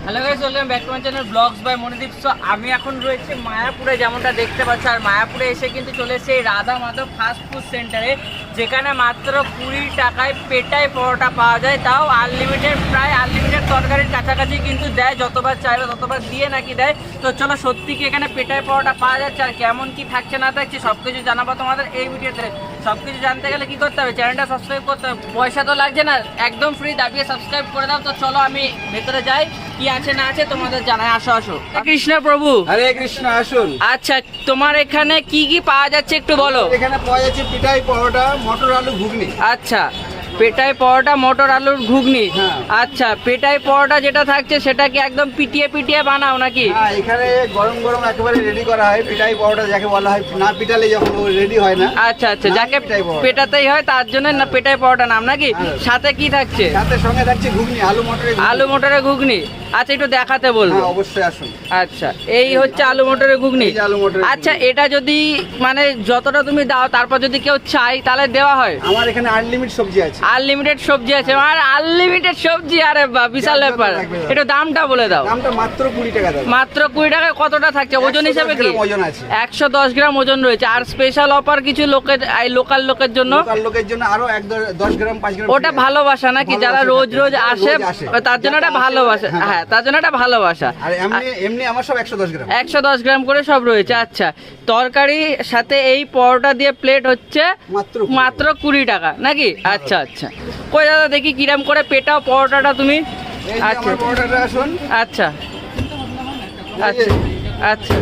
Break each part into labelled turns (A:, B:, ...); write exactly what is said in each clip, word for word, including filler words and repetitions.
A: Hello guys, welcome back to my channel vlogs by Monidip. So আমি এখন রয়েছে মায়াপুরে, যেমনটা দেখতে পাচ্ছি। আর মায়াপুরে এসে কিন্তু চলে এসেছে এই রাধা মাধব ফাস্ট ফুড সেন্টারে, যেখানে মাত্র কুড়ি টাকায় পেটাই পরোটা পাওয়া যায়, তাও আনলিমিটেড, প্রায় আনলিমিটেড তরকারির কাছাকাছি কিন্তু দেয়, যতবার চাইবে ততবার দিয়ে নাকি দেয়। তো চলো, সত্যি কি এখানে পেটাই পরোটা পাওয়া যাচ্ছে আর কেমন কি থাকছে না থাকছে সব কিছু জানাবো তোমাদের এই ভিডিওতে। সব কিছু জানতে গেলে কি করতে হবে? চ্যানেলটা সাবস্ক্রাইব করতে হবে, পয়সা তো লাগছে না, একদম ফ্রি, দাবিয়ে সাবস্ক্রাইব করে দাও। তো চলো আমি ভেতরে যাই, কি আছে না আছে তোমাদের জানাই। আসো আসো। কৃষ্ণ প্রভু,
B: হরে কৃষ্ণ, আসুন।
A: আচ্ছা, তোমার এখানে কি কি পাওয়া যাচ্ছে একটু বলো।
B: এখানে পাওয়া যাচ্ছে পিঠাই পরোটা, মটর আলু ঘুগনি।
A: আচ্ছা, পেটাই পরোটা, মটর আলুর ঘুগনি।
B: হ্যাঁ।
A: আচ্ছা, পেটাই পরোটা যেটা থাকছে সেটা কি একদম পিটিয়ে পিটিয়ে বানাও নাকি?
B: হ্যাঁ, এখানে গরম গরম একেবারে রেডি করা হয় পিঠাই পরোটা, যাকে বলা হয় না পিটালে যখন রেডি হয় না।
A: আচ্ছা আচ্ছা,
B: না,
A: যাকে
B: পেটাই পরোটা।
A: পেটাতেই হয় তার জন্য না পেটাই পরোটা নাম নাকি?
B: হ্যাঁ।
A: সাথে কি থাকছে?
B: সাথে সঙ্গে থাকছে ঘুগনি, আলু মটরের ঘুগনি।
A: আলু মটরের ঘুগনি। আচ্ছা, একটু দেখাতে বলবো।
B: হ্যাঁ, অবশ্যই আসুন।
A: আচ্ছা, এই হচ্ছে আলু মটরের ঘুগনি।
B: এই যে আলু মটরের
A: আচ্ছা,
B: ঘুগনি।
A: এটা যদি মানে যতটা তুমি দাও, তারপর যদি কেউ চাই তাহলে দেওয়া হয়?
B: আমার এখানে আনলিমিটেড সবজি আছে।
A: আনলিমিটেড সবজি আছে? আর আনলিমিটেড সবজি, আরে বাহ, বিশাল
B: যা যত
A: ব্যাপার।
B: লাগবে দাও।
A: একটু দামটা বলে দাও।
B: দামটা মাত্র কুড়ি টাকা দাও।
A: মাত্র কুড়ি টাকায় কতটা থাকছে ওজন
B: একশো দশ
A: হিসাবে? কি
B: গ্রাম ওজন আছে।
A: একশো দশ গ্রাম ওজন রয়েছে। আর স্পেশাল অফার কিছু লোকের, এই লোকাল লোকের জন্য,
B: লোকাল লোকের জন্য আরো এক দ- দশ গ্রাম পাঁচ গ্রাম
A: ওটা
B: free আছে।
A: ভালোবাসা নাকি? যারা
B: ভালোবাসা
A: রোজ
B: থাকে।
A: রোজ
B: যারা
A: আসে
B: রোজ আসে।
A: তার জন্য
B: যারা
A: একটা
B: আসে,
A: ভালোবাসা।
B: হ্যাঁ।
A: হ্যাঁ, তার জন্য একটা ভালোবাসা।
B: আর এমনি এমনি আমার সব একশো দশ গ্রাম।
A: একশো দশ গ্রাম করে সব রয়েছে। আচ্ছা, তরকারি সাথে এই পরোটা দিয়ে প্লেট হচ্ছে
B: মাত্র
A: মাত্র কুড়ি টাকা নাকি? আচ্ছা আচ্ছা, কই দাদা দেখি কিরাম করে পেটাও পরোটাটা তুমি।
B: এই যে
A: আচ্ছা
B: আমার পরোটাটা আসুন।
A: আচ্ছা
B: এই যে,
A: আচ্ছা আচ্ছা।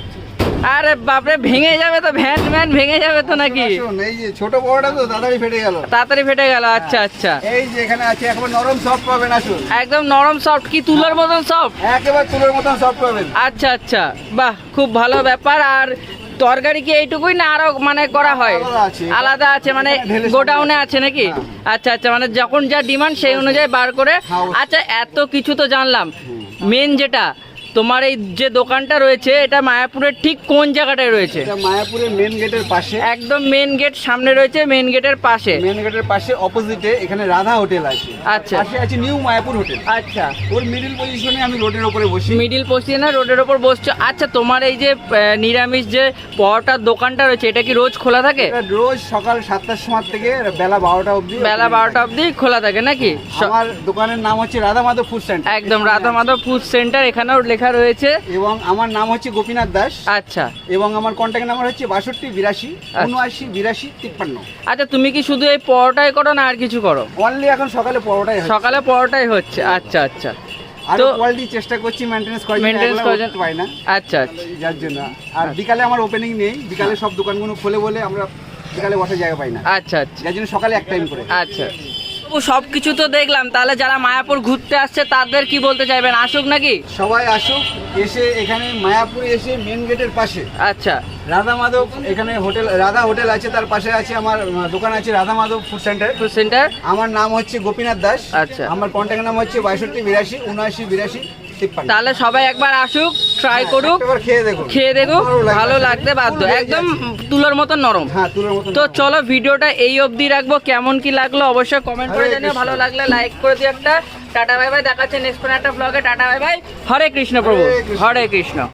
A: আরে বাপরে, ভেঙে যাবে তো, ভ্যান ভ্যান ভেঙে যাবে তো নাকি?
B: আসুন, এই যে ছোট পরোটা তো তাড়াতাড়ি ফেটে গেল।
A: তাড়াতাড়ি ফেটে গেল। আচ্ছা আচ্ছা,
B: এই যে এখানে আছে একবার নরম সফট পাবেন, আসুন।
A: একদম নরম সফট, কি তুলোর মতন সফট?
B: একেবারে তুলোর মতন সফট পাবেন।
A: আচ্ছা আচ্ছা, বাহ, খুব ভালো ব্যাপার। আর তরকারি কি এইটুকুই না আরো মানে করা হয়?
B: আলাদা আছে।
A: আলাদা আছে মানে
B: এখানে ঢেলে
A: গোডাউনে
B: সাজানো
A: আছে নাকি?
B: হ্যাঁ।
A: আচ্ছা আচ্ছা, মানে যখন যা ডিমান্ড সেই অনুযায়ী বার করে।
B: হ্যাঁ, অবশ্যই।
A: আচ্ছা, এত কিছু তো জানলাম, মেন যেটা তোমার এই যে দোকানটা রয়েছে, এটা মায়াপুরের ঠিক কোন জায়গাটায় রয়েছে?
B: এটা মায়াপুরের মেন গেটের পাশে।
A: একদম মেন গেট সামনে রয়েছে, মেন গেটের পাশে।
B: মেন গেটের পাশে অপোজিটে এখানে রাধা হোটেল আছে।
A: আচ্ছা।
B: পাশে আছে নিউ মায়াপুর হোটেল।
A: আচ্ছা,
B: ওর মিডিল পজিশনে আমি রোডের উপরে বসি।
A: মিডিল পজিশনে রোডের ওপর বসছো। আচ্ছা, তোমার এই যে আহ, নিরামিষ যে পরোটার দোকানটা রয়েছে, এটা কি রোজ খোলা থাকে?
B: এটা রোজ সকাল সাতটার সময় থেকে বেলা বারোটা অবধি।
A: বেলা বারোটা অবধি খোলা থাকে নাকি? স-
B: আমার দোকানের নাম হচ্ছে রাধা মাধব ফুড সেন্টার।
A: একদম রাধা মাধব ফুড সেন্টার, এখানেও লেখা রয়েছে।
B: এবং আমার নাম হচ্ছে গোপীনাথ দাস।
A: আচ্ছা
B: এবং আমার কন্ট্যাক্ট নাম্বার হচ্ছে বাষট্টি বিরাশি উনআশি বিরাশি তিপ্পান্ন।
A: আচ্ছা, তুমি কি শুধু এই পরোটাই করো না আর কিছু করো?
B: অনলি এখন সকালে পরোটাই হয়।
A: সকালে পরোটাই হচ্ছে। আচ্ছা আচ্ছা,
B: আর
A: তো
B: কোয়ালিটি চেষ্টা করছি মেইনটেনেন্স করার জন্য,
A: মেইনটেনেন্স
B: একলা
A: করার
B: করতে পারি না,
A: আচ্ছা আচ্ছা
B: যার জন্য। আর বিকালে আমার ওপেনিং নেই, বিকালে সব দোকানগুলো খোলে বলে আমরা বিকালে বসার জায়গা পাই না,
A: আচ্ছা আচ্ছা
B: যার জন্য সকালে এক টাইম করে।
A: আচ্ছা। ও, সব কিছু তো দেখলাম, তাহলে যারা মায়াপুর ঘুরতে আসছে তাদের কি বলতে চাইবেন? আসুক নাকি?
B: সবাই আসুক, এসে এখানে মায়াপুরে এসে মেন গেটের পাশে
A: আচ্ছা
B: রাধা মাধব, এখানে হোটেল রাধা হোটেল আছে, তার পাশে আছে আমার আহ, দোকান আছে Radha Madhab food centre.
A: Food centre.
B: আমার নাম হচ্ছে গোপীনাথ দাস।
A: আচ্ছা।
B: আমার কন্ট্যাক্ট নাম হচ্ছে বাষট্টি বিরাশি উনআশি বিরাশি তিপ্পান্ন।
A: তাহলে সবাই একবার আসুক, ট্রাই করুক,
B: একবার খেয়ে দেখুন,
A: খেয়ে দেখুক,
B: ভালো লাগবে।
A: ভালো লাগতে বাধ্য,
B: পুরো
A: একদম
B: ভেজে
A: তুলোর মতন নরম।
B: হ্যাঁ, তুলোর মতন।
A: তো চলো, ভিডিওটা এই অবধি রাখবো। কেমন কি লাগলো অবশ্যই কমেন্ট করে
B: হরে
A: জানিও।
B: কৃষ্ণ।
A: ভালো লাগলে লাইক করে দিও একটা। টাটা বাই বাই, দেখাচ্ছে নেক্সট কোনো একটা ব্লগে। Tata bye bye, Hare Krishna প্রভু,
B: হরে কৃষ্ণ।
A: হরে কৃষ্ণ।